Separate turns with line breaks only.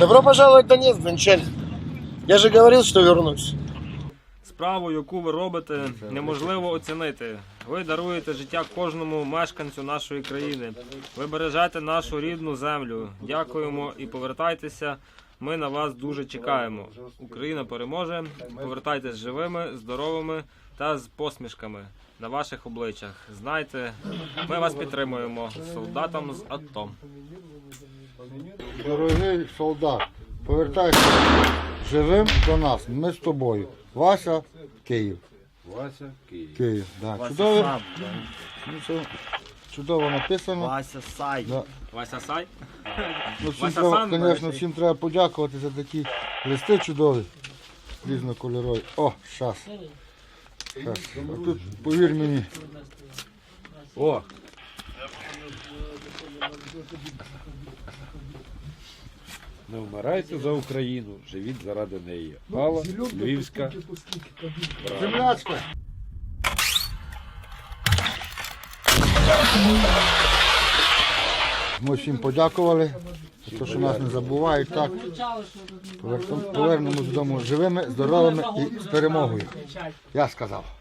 Добро пожаловать в Донецк, дончанин. Я же говорил, что вернусь.
Справу, яку ви робите, неможливо оцінити. Ви даруєте життя кожному мешканцю нашої країни. Ви бережете нашу рідну землю. Дякуємо і повертайтеся. Ми на вас дуже чекаємо. Україна переможе. Повертайтесь живими, здоровими та з посмішками на ваших обличчях. Знайте, ми вас підтримуємо. Солдатам з АТО.
Дорогий солдат, повертайся живим до нас. Ми з тобою. Вася, Київ.
Вася, Київ.
Київ, да. Чудово, чудово написано.
Вася Сай.
Да.
Вася Сай?
Ну, всім
Вася
треба,
Сан,
звісно,
бачиш?
всім треба подякувати за такі листи чудові. Різнокольорові. О, щас. А тут, повір мені.
О! Не вмирайте за Україну, живіть заради неї. Алла, Львівська.
Землячка. Ми всім подякували, за те, що нас не забувають. Так. Повернемось додому живими, здоровими і з перемогою. Я сказав.